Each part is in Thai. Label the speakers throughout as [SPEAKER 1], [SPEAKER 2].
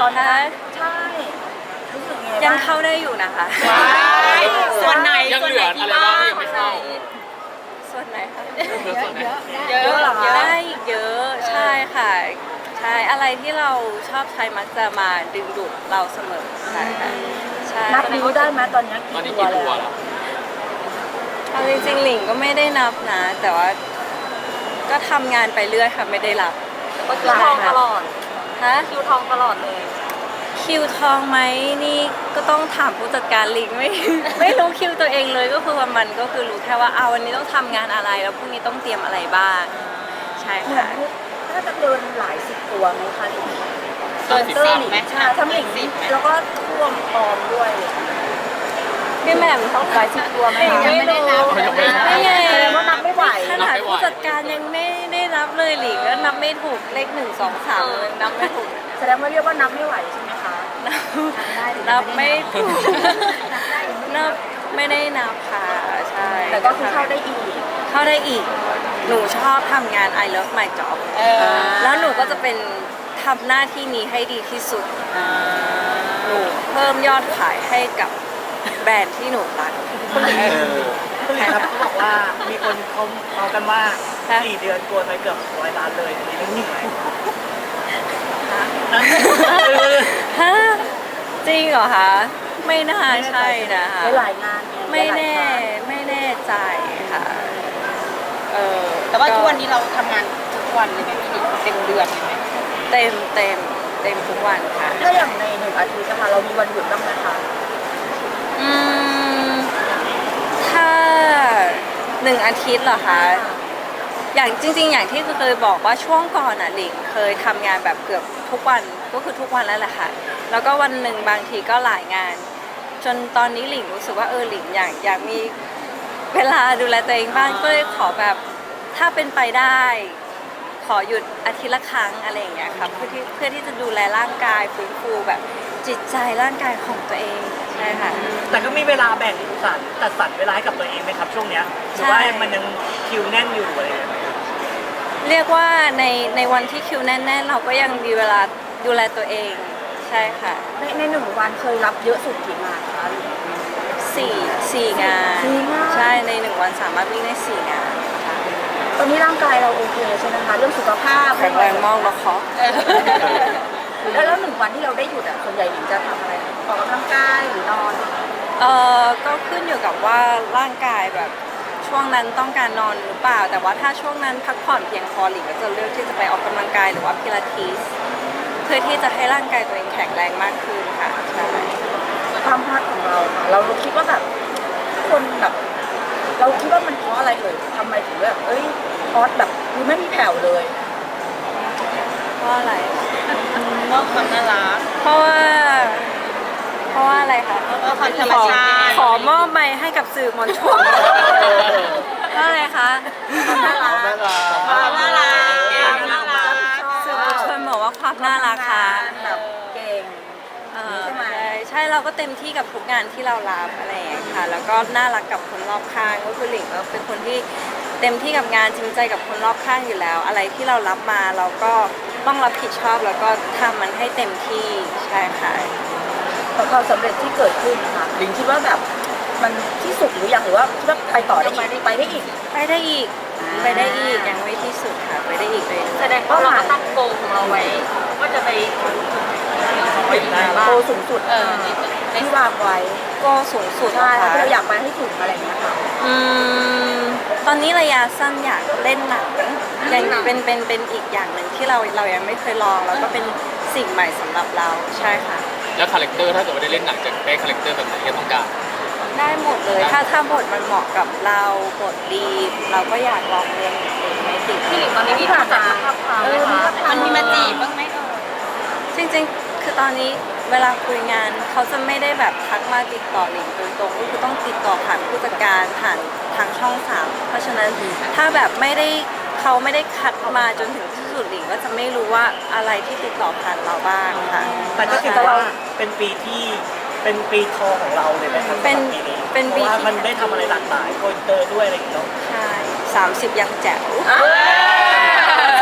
[SPEAKER 1] ตอนนั้น
[SPEAKER 2] ใช่รู้สึกไงบ้าง
[SPEAKER 1] ยังเข้าได้อยู่นะคะ
[SPEAKER 3] ส่วนไหน
[SPEAKER 4] ยังเหลืออะไรบ้างที่ยังไม่เข้า
[SPEAKER 1] ส่วนไหนคะ
[SPEAKER 4] เหลือส่วนไหน
[SPEAKER 2] เยอะเหรอคะ
[SPEAKER 1] ได้อีกเยอะใช่ค่ะใช่อะไรที่เราชอบใช้มักจะมาดึงดูดเราเสมอใช่ค่ะใช่
[SPEAKER 2] นับนิ้วได้ไหมตอนนี้
[SPEAKER 4] ตอนนี้
[SPEAKER 2] กี่
[SPEAKER 4] กี่
[SPEAKER 2] ตั
[SPEAKER 4] ตัว ว
[SPEAKER 2] แล้ว
[SPEAKER 4] แล้ว
[SPEAKER 1] เอาจริงๆหลิงก็ไม่ได้นับนะ แต่ว่าก็ทำงานไปเรื่อยค่ะไม่ได้รับ
[SPEAKER 3] ก็คิวทองตลอด
[SPEAKER 1] ฮะ
[SPEAKER 3] คิวทองตลอดเลย
[SPEAKER 1] คิวทองไหมนี่ก็ต้องถามผู้จัดการหลิงไม่ ไม่รู้คิวตัวเองเลยก็คือว่ามันก็คือรู้แค่ว่าเอาวันนี้ต้องทำงานอะไรแล้วพรุ่งนี้ต้องเตรียมอะไรบ้างใช่
[SPEAKER 2] เหมือน
[SPEAKER 1] ค่ะ
[SPEAKER 2] น่าจะเดินหลายสิบตัวไหมคะหลิง
[SPEAKER 3] เกิน
[SPEAKER 2] เตอร์
[SPEAKER 3] 10
[SPEAKER 2] หลิง
[SPEAKER 3] ไหม
[SPEAKER 2] ใช่ทั้งหลิงแล้วก็ท่วมปลอมด้วย
[SPEAKER 1] พี่แหม่มเขา
[SPEAKER 2] หลายสิบตัวไหมคะ
[SPEAKER 1] ยังไม่รู้ ไม่ไง
[SPEAKER 2] แสดงว่านับไม่ไหว
[SPEAKER 1] ขนาดผู้จัดการยังไม่ได้รับเลยหลิงก็นับไม่ถูกเลข1 2 3เลยนับไม่ถูก
[SPEAKER 2] แสดงว่าเรียกว่านับไม่ไหวใช่ไหมคะ
[SPEAKER 1] นับไม่ถูกนับไม่ได้นับค่ะใช่
[SPEAKER 2] แต่ก็คือเข้าได้อีก
[SPEAKER 1] เข้าได้อีก หนูชอบทำงาน I love my job แล้วหนูก็จะเป็นทำหน้าที่นี้ให้ดีที่สุดหนูเพิ่มยอดขายให้กับแบรนด์ที่หนูรัก
[SPEAKER 5] คุณหลิงครับเขาบอกว่ามีคนเขาเมากันว่า
[SPEAKER 1] ฮะ
[SPEAKER 5] 4 เดือนกลัวไปเกือบ100 ล้านเลยทีนี้นิ่งๆไหม
[SPEAKER 1] ฮะจริงเหรอคะ ไม่น่าใช่นะคะ
[SPEAKER 2] หลายงานไง
[SPEAKER 1] ไม่แน่
[SPEAKER 2] หลายครั้ง
[SPEAKER 1] ไม่แน่ใจค่ะ
[SPEAKER 3] แต่ว่าทุกวันนี้เราทำงานทุกวันเลยไหมพี่หลิงเต็มเดือนเลยไหม
[SPEAKER 1] เต็มทุกวันค่ะ
[SPEAKER 2] ถ้าอย่างใน1 อาทิตย์นะคะเรามีวันหยุดบ้างไหมคะ
[SPEAKER 1] อืมถ้า1 อาทิตย์เหรอคะอย่างจริงๆ อย่างที่เคยบอกว่าช่วงก่อนอ่ะหลิงเคยทำงานแบบเกือบทุกวันก็คือทุกวันแล้วแหละค่ะแล้วก็วันหนึ่งบางทีก็หลายงาน จนตอนนี้หลิงรู้สึกว่าหลิงอยากมีเวลาดูแลตัวเองบ้างก็เลยขอแบบถ้าเป็นไปได้ ขอหยุดอาทิตย์ละครั้งอะไรอย่างเงี้ยค่ะเพื่อที่จะดูแลร่างกายฟื้นฟูแบบจิตใจร่างกายของตัวเองใช่ค่ะ
[SPEAKER 5] แต่ก็มีเวลาแบ่งจัดสรรเวลาให้กับตัวเองไหมครับช่วงเนี้ยหรือว่า
[SPEAKER 1] ใช่
[SPEAKER 5] มันยังคิวแน่นอยู่อะไรอย่างเงี้ย
[SPEAKER 1] เรียกว่าในวันที่คิวแน่นๆเราก็ยังมีเวลาดูแลตัวเองใช่ค่ะ
[SPEAKER 2] ใน1 วันเคยรับเยอะสุดกี่งานคะ
[SPEAKER 1] สี่งาน
[SPEAKER 2] สี่งาน
[SPEAKER 1] ใช่ใน1 วันสามารถวิ่งได้4 งานค่ะ
[SPEAKER 2] ตอนนี้ร่างกายเราโอเคใช่ไหมคะเรื่องสุขภาพ
[SPEAKER 1] แข็งแรงมากแล้วคะ
[SPEAKER 2] แล้ว1 วันที่เราได้หยุดอ่ะส่วนใหญ่หนิงจะทำอะไรออกกำลังกายหรือนอน
[SPEAKER 1] ก็ขึ้นอยู่กับว่าร่างกายแบบช่วงนั้นต้องการนอนหรือเปล่า แต่ว่าถ้าช่วงนั้นพักผ่อนเพียงพอหลิงก็จะเลือกที่จะไปออกกำลังกายหรือว่าพิลาทิสเพื่อที่จะให้ร่างกายตัวเองแข็งแรงมากขึ้นค่ะใช่
[SPEAKER 2] ความฮอตของเราค่ะเราคิดว่าแบบคนแบบเราคิดว่ามันเพราะอะไรเลยทำไมถึงแบบฮอตแบบคือไม่มีแผ่วเลย
[SPEAKER 1] เพราะอะไร
[SPEAKER 3] มอบความน่ารัก
[SPEAKER 1] เพราะว่าอะไรคะ
[SPEAKER 3] ความธรรมชาติ
[SPEAKER 1] ขอมอบไมค์ให้กับสื่อมวลชนเพราะอะไรคะ
[SPEAKER 2] น่ารัก
[SPEAKER 3] ความน่ารักความน่ารัก
[SPEAKER 1] สื่อมวลชนบอกว่าความน่ารักค่ะ
[SPEAKER 2] แบบเก่ง ใช่ไหม
[SPEAKER 1] ใช่เราก็เต็มที่กับทุกงานที่เรารับอะไรอย่างเงี้ยค่ะ แล้วก็น่ารักกับคนรอบข้างก็คือหลิงก็เป็นคนที่เต็มที่กับงานจริงใจกับคนรอบข้างอยู่แล้ว อะไรที่เรารับมาเราก็ต้องรับผิดชอบแล้วก็ทำมันให้เต็มที่ใช่ค่ะ
[SPEAKER 2] แต่ความสำเร็จที่เกิดขึ้นนะคะหลิงคิดว่าแบบมันที่สุดหรือยังหรือว่าคิดว่าไปต่อได้อีกไปได้อีก
[SPEAKER 1] ไปได้อีกไปได้อีกยังไม่ที่สุดค่ะไปได้อีกเลย
[SPEAKER 3] แสดงว่าเราก็ตั้งโกลของเราไว้ว่าจะไปบ้าง
[SPEAKER 2] โตสูงสุดที่วางไว้
[SPEAKER 1] ก็สูงสุด
[SPEAKER 2] ใช่
[SPEAKER 1] ค่ะ
[SPEAKER 2] ที่เราอยากไปให้ถึงอะไรอย่างเงี้ยค่ะ
[SPEAKER 1] ตอนนี้ระยะสั้นอยากเล่นหนังยังเป็นอีกอย่างหนึ่งที่เรายังไม่เคยลองแล้วก็เป็นสิ่งใหม่สำหรับเราใช่ค่ะ
[SPEAKER 4] แล้วคาแรคเตอร์ถ้าเกิดว่าได้เล่นหนังจะได้คาแรคเตอร์แบบไหนที่ต้องการ
[SPEAKER 1] ได้หมดเลยถ้าบทมันเหมาะกับเราบทดีเราก็อยากลองเล่นเองไม่ติด
[SPEAKER 3] พี่หลิงตอนนี้มีผ่านจากภาพความไหมคะมันมีมาจีบบ้างไหม
[SPEAKER 1] จริงๆ คือตอนนี้เวลาคุยงานเขาจะไม่ได้แบบทักมาติดต่อหลิงโดยตรงก็คือต้องติดต่อผ่านผู้จัดการผ่านทางช่อง3เพราะฉะนั้นถ้าแบบเขาไม่ได้คัดมาจนถึงที่สุดหลิงก็จะไม่รู้ว่าอะไรที่ติดต่อผ่านเราบ้างค่ะ
[SPEAKER 5] แต่ก็ถือว่าเป็นปีที่เป็นปีทองของเราเลยนะครับ
[SPEAKER 1] เป็น
[SPEAKER 5] สำหรับปีนี้
[SPEAKER 1] เป็น
[SPEAKER 5] เพ
[SPEAKER 1] ปี
[SPEAKER 5] ราะว่า
[SPEAKER 1] ที่
[SPEAKER 5] มันได้ทำอะไรหลากหลายโกอินเตอร์ด้วยอะไรอย่างเงี้ยเนาะ
[SPEAKER 1] ใช่30ยังแจ๋ว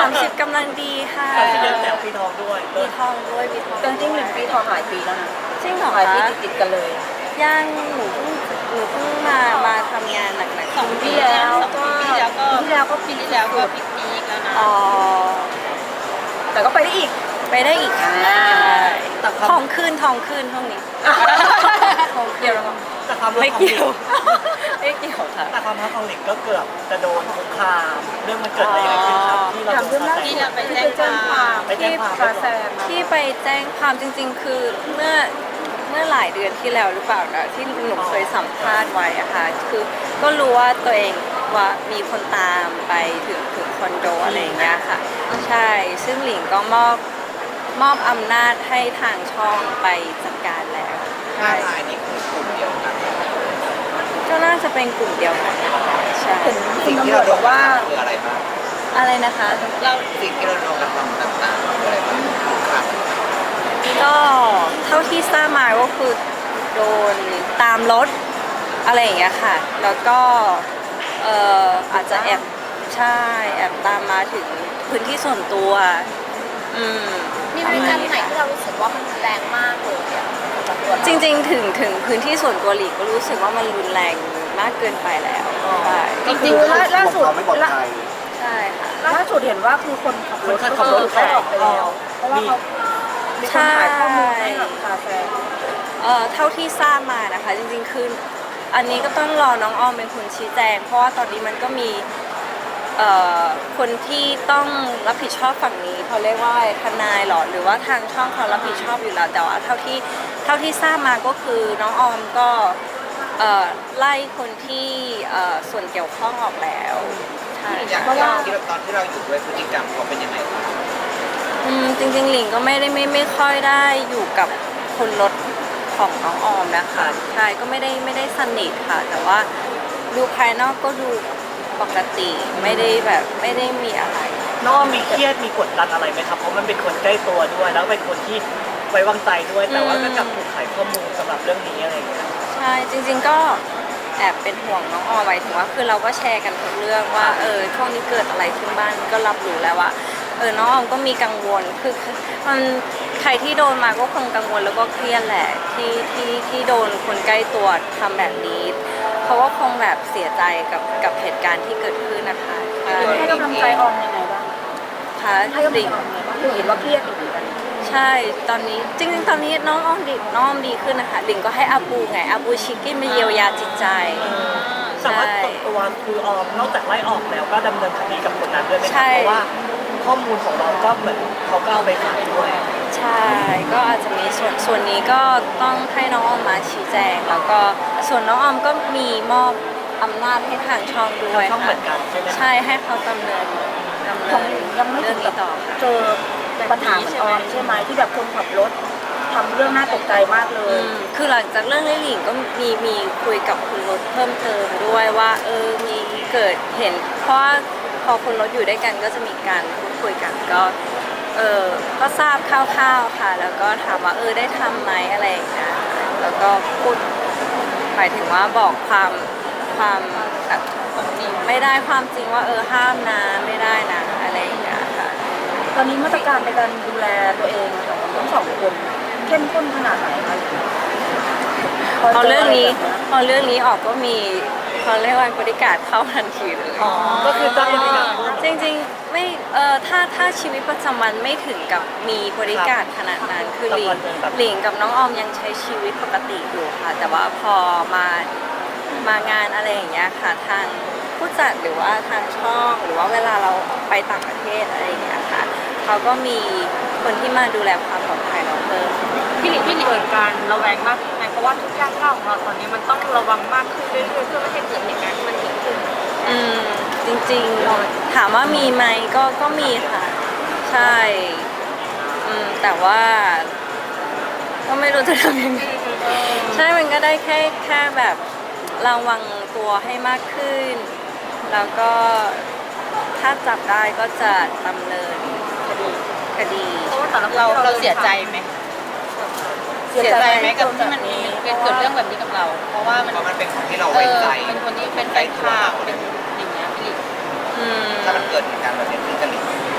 [SPEAKER 1] 30กำลังดีค่ะ
[SPEAKER 5] ที่เดือนแต่ปีทองด้วย
[SPEAKER 1] ปีทองด้วยปีทอง
[SPEAKER 2] จริงๆ1 ปีทองหลายปีแล้วนะ
[SPEAKER 1] จริงเหรอ
[SPEAKER 2] หลายปี
[SPEAKER 1] คะ
[SPEAKER 2] ติดๆกันเลย
[SPEAKER 1] ย่างหนูเพิ่งมาทำงานหนักๆ
[SPEAKER 3] 2 ปีแล้ว2 ปีที่แล้วก็
[SPEAKER 2] ปีที่แล้วก็
[SPEAKER 3] ปีที่แล้วก็พีคๆแล้วนะ
[SPEAKER 1] อ๋อ
[SPEAKER 2] แต่ก็ไปได้อีก
[SPEAKER 1] ไปได้อีกค่ะ
[SPEAKER 5] แต่ความ
[SPEAKER 1] ทองขึ้นช่วงนี้ทอง
[SPEAKER 2] เดี๋
[SPEAKER 1] ขึ้
[SPEAKER 2] ย
[SPEAKER 1] น
[SPEAKER 2] วเรา
[SPEAKER 5] แต่ความรั
[SPEAKER 1] ไม่
[SPEAKER 5] กของ
[SPEAKER 1] เกี่
[SPEAKER 5] ห
[SPEAKER 1] ย
[SPEAKER 5] ลิ
[SPEAKER 1] ว
[SPEAKER 5] ง
[SPEAKER 1] ไม่เกี่ยวค่ะ
[SPEAKER 5] แต่ความรักของหลิงก็เกือบจะโดนคุกคามเรื่องมันเกิดอะไรยังไงขึ้นครับที่เรา
[SPEAKER 2] ถามเรื่องล่าสุด
[SPEAKER 3] ที่
[SPEAKER 2] ที่
[SPEAKER 3] เรา
[SPEAKER 2] ไป
[SPEAKER 3] ไป
[SPEAKER 2] แจ้
[SPEAKER 3] แจ้
[SPEAKER 2] ง
[SPEAKER 3] งความ
[SPEAKER 2] ความ
[SPEAKER 5] ไปแจ้งความ
[SPEAKER 2] กาแซม
[SPEAKER 1] ที่ไปแจ้งความจริงๆ คือเมื่อหลายเดือนที่แล้วหรือเปล่านะที่หนูเคยสัมภาษณ์ไว้อะค่ะคือก็รู้ว่าตัวเองว่ามีคนตามไปถึงคอนโดอะไรอย่างเงี้ยค่ะ ใช่ซึ่งหลิงก็มอบอำนาจให้ทางช่องไปจัดการแล้วใช่
[SPEAKER 6] รายนี้คือกลุ่มเดียวกัน
[SPEAKER 1] ก็น่าจะเป็นกลุ่มเดียวกันใช่
[SPEAKER 2] เห็น
[SPEAKER 6] สิ่ง
[SPEAKER 2] ตำ
[SPEAKER 6] ที่
[SPEAKER 2] รว
[SPEAKER 6] เรา
[SPEAKER 2] จ
[SPEAKER 6] โด
[SPEAKER 2] บอก
[SPEAKER 6] น
[SPEAKER 2] ว่า
[SPEAKER 6] คืออะไรบ้าง
[SPEAKER 1] อะไรนะคะ
[SPEAKER 3] เรา
[SPEAKER 6] สิ่งที่เราโดนกระทำต่างๆคืออะไรบ้างครับ
[SPEAKER 1] ก็เท่าที่ทราบมาก็คือโดนตามรถอะไรอย่างเงี้ยค่ะ แล้วก็อาจจะแอบใช่แอบตามมาถึงพื้นที่ส่วนตัวอืม
[SPEAKER 7] มีพฤติกรรมไหนที่เรารู้สึกว่ามันแรงมากเลยอะสำหรับตัวเรา
[SPEAKER 1] จริงๆถึงพื้นที่ส่วนตัวหลีกก็รู้สึกว่ามันรุนแรงมากเกินไปแล้วใช่
[SPEAKER 2] จริงๆล่าสุด
[SPEAKER 1] ใช่ค่ะ
[SPEAKER 2] ล่าสุดเห็นว่าคือคนขับรถ
[SPEAKER 5] คนขับรถ
[SPEAKER 2] เขาออกไปแล้ว เพราะว่าเขามีคนถ่ายข้อมูลให้กับกาแฟ
[SPEAKER 1] เท่าที่ทราบมานะคะ จริงๆคืออันนี้ก็ต้องรอน้องออมเป็นคนชี้แจง เพราะว่าตอนนี้มันก็มีคนที่ต้องรับผิดชอบฝั่งนี้เขาเรียกว่าทนายหรอหรือว่าทางช่องเขารับผิดชอบอยู่แล้วแต่ว่าเท่าที่ทราบมาก็คือน้องออมก็ไล่คนที่ส่วนเกี่ยวข้องออกแล้วใช่
[SPEAKER 6] อย่าง
[SPEAKER 2] เพราะว่า
[SPEAKER 6] ที่เราตอนที่เราอยู่ด้วยพฤติกรรมเขาเป็นยังไงบ้าง
[SPEAKER 1] จริงๆหลิงก็ไม่ค่อยได้อยู่กับคนรถของน้องออมนะคะใช่ก็ไม่ได้สนิทค่ะ แต่ว่าดูภายนอกก็ดูปกติไม่ได้มีอะไร
[SPEAKER 5] น้องมีเครียดมีกดดันอะไรไหมครับเพราะมันเป็นคนใกล้ตัวด้วย แล้วเป็นคนที่ไว้วางใจด้วย แต่ว่าก็กลับถูกขายข้อมูลสำหรับเรื่องนี้อะไรอย่างเงี้ย
[SPEAKER 1] ใช่จริงๆก็แอบเป็นห่วงน้องออมไว้ถึงว่าคือเราก็แชร์กันทุกเรื่องว่าช่วงนี้เกิดอะไรขึ้นบ้างก็รับรู้แล้วว่าน้องออมก็มีกังวลคือมันใครที่โดนมาก็คงกังวลแล้วก็เครียดแหละที่โดนคนใกล้ตัวทำแบบนี้เขาก็คงแบบเสียใจกับเหตุการณ์ที่เกิดขึ้นนะคะใช่
[SPEAKER 2] ให้กำลังใจออมยังไงบ้าง
[SPEAKER 1] ค่ะ
[SPEAKER 2] ให้กำลัง
[SPEAKER 1] หลิ
[SPEAKER 2] ใจ
[SPEAKER 1] ง
[SPEAKER 2] ออมยังไงบ้างคือเห็นว่าเครียดอยู่เหมือนกัน
[SPEAKER 1] ใช่ตอนนี้จริงๆตอนนี้น้องออมดีขึ้นนะคะหลิงก็ให้อาบูไงอาบูชิคกี้มาเยียวยาจิตใจ
[SPEAKER 5] แต่ว่าส่วนตัวคือออมนอกจากไล่ออกแล้วก็ดำเนินคดีกับคนนั้นด้วยไหมค
[SPEAKER 1] ใช่
[SPEAKER 5] รับเพราะว่าข้อมูลของเราก็เหมือนเขาก็เอาไปขายด้วย
[SPEAKER 1] ใช่ก็อาจจะมีส่วนนี้ก็ต้องให้น้องออมมาชี้แจง แล้วก็ส่วนน้องออมก็มีมอบอำนาจให้ทางช่องด้วย
[SPEAKER 5] ทางช่องเหมื
[SPEAKER 1] ค่ะ
[SPEAKER 5] อนกันใช่ไหม
[SPEAKER 1] ใช่ให้เขาดำเนิน
[SPEAKER 2] ของยังไม่
[SPEAKER 1] เรื่
[SPEAKER 2] ถึ
[SPEAKER 1] อง
[SPEAKER 2] งกั
[SPEAKER 1] นี้
[SPEAKER 2] บ
[SPEAKER 1] ต่อค่ะ
[SPEAKER 2] เจอปัญหาเหมือนออมใช่ไหมที่แบบคนขับรถทำเรื่องน่าตกใจมากเลย
[SPEAKER 1] คือหลังจากเรื่องลิหลิงก็มีคุยกับคุณรถเพิ่มเติมด้วยว่ามีเกิดเห็นเพราะว่าพอคุณรถอยู่ด้วยกันก็จะมีการพูดคุยกันก็ทราบคร่าวๆค่ะ แล้วก็ถามว่าได้ทำไหมอะไรอย่างเงี้ยแล้วก็พูดหมายถึงว่าบอกความแบบไม่ได้ความจริงว่าห้ามนะไม่ได้นะอะไรอย่างเงี้ยค่ะ
[SPEAKER 2] ตอนนี้มาตรการในการดูแลตัวเองของทั้งสองคนเข้มข้นขนาดไหนคะ
[SPEAKER 1] พอเรื่องนี้ออกก็มีเขาเรียกว่าบริการเข้าทันทีเลย
[SPEAKER 5] ก็คือจ้างบริการด้วย
[SPEAKER 1] จริงๆไม่ถ้าชีวิตประจำวันไม่ถึงกับมีบริการขนาดนั้นคือหลิงกับน้องออมยังใช้ชีวิตปกติอยู่ค่ะ แต่ว่าพอมางานอะไรอย่างเงี้ยค่ะทางผู้จัดหรือว่าทางช่องหรือว่าเวลาเราไปต่างประเทศอะไรอย่างเงี้ยค่ะเขาก็มีคนที่มาดูแลความปลอดภัยเราเพิ่ม
[SPEAKER 3] พี่หลิงเกิดการระแวงมากขึ้นไหมเพราะว่าทุกย่างก้าวของเราตอนนี้มันต้องระวังมากขึ้นเรื่อยๆเพื่อไม่ให้เกิดเหตุการณ์ที่มันเกิดขึ้น
[SPEAKER 1] จริงๆถามว่ามีไหมก็มีค่ะ ใช่แต่ว่าก็ไม่รู้จะทำยังไงใช่มันก็ได้แค่แบบระวังตัวให้มากขึ้น แล้วก็ถ้าจับได้ก็จะดำเนินคดี
[SPEAKER 3] เพราะว่าแต่ละเราเสียใจไหมเสียใจไหมกับที่มันมีเกิดเรื่องแบบนี้กับเรา เพราะว่ามัน
[SPEAKER 6] เพราะมันเป็นคนที่เราไว้ใจ
[SPEAKER 3] เป็นคนที่เป็นไร้ค่าเป็นอย่างเงี้ยพี่หลิง
[SPEAKER 1] อืม
[SPEAKER 6] ถ้ามันเกิดเหตุการณ์แบบนี้ขึ้นกับหลิง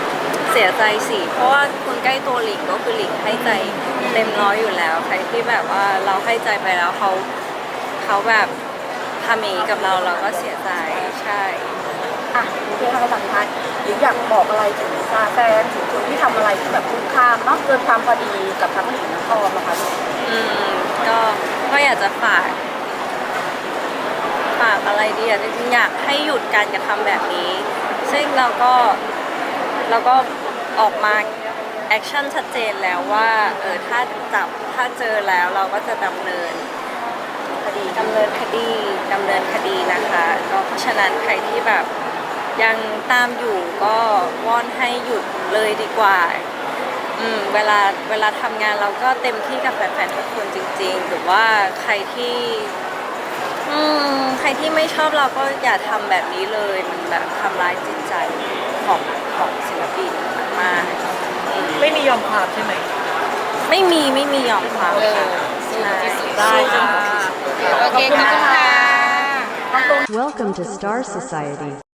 [SPEAKER 1] เสียใจสิเพราะว่าคนใกล้ตัวหลิงก็คือหลิงให้ใจเต็มร้อยอยู่แล้วใครที่แบบว่าเราให้ใจไปแล้วเขาแบบทำอย่างนี้กับเราก็เสียใจใช่
[SPEAKER 2] อ่ะโอเคค่ะสัมภาษณ์หรืออยากบอกอะไรถึงแฟนถึงคนที่ทำอะไรที่แบบคุ้มค่ามากเกินความพอดีกับทั้งหลิงทั้งออมนะคะ
[SPEAKER 1] ก็อยากจะฝากอะไรดีอ่ะจริงๆอยากให้หยุดการกระทำแบบนี้ ซึ่งเราก็ออกมาแอคชั่นชัดเจนแล้วว่าถ้าเจอแล้วเราก็จะดำเนินคดีนะคะก็เพราะฉะนั้นใครที่แบบยังตามอยู่ก็วอนให้หยุดเลยดีกว่าเวลาทำงานเราก็เต็มที่กับแฟนๆทุกคนจริงๆหรือว่าใครที่ไม่ชอบเราก็อย่าทำแบบนี้เลยมันแบบทำร้ายจิตใจของศิลปินมาก
[SPEAKER 5] ไม่มียอมความใช่ไหม
[SPEAKER 1] ไม่มียอมความค่ะใช่
[SPEAKER 5] ได้ค่ะ
[SPEAKER 7] โอเคขอบคุณค่ะ
[SPEAKER 8] Welcome to Star Society.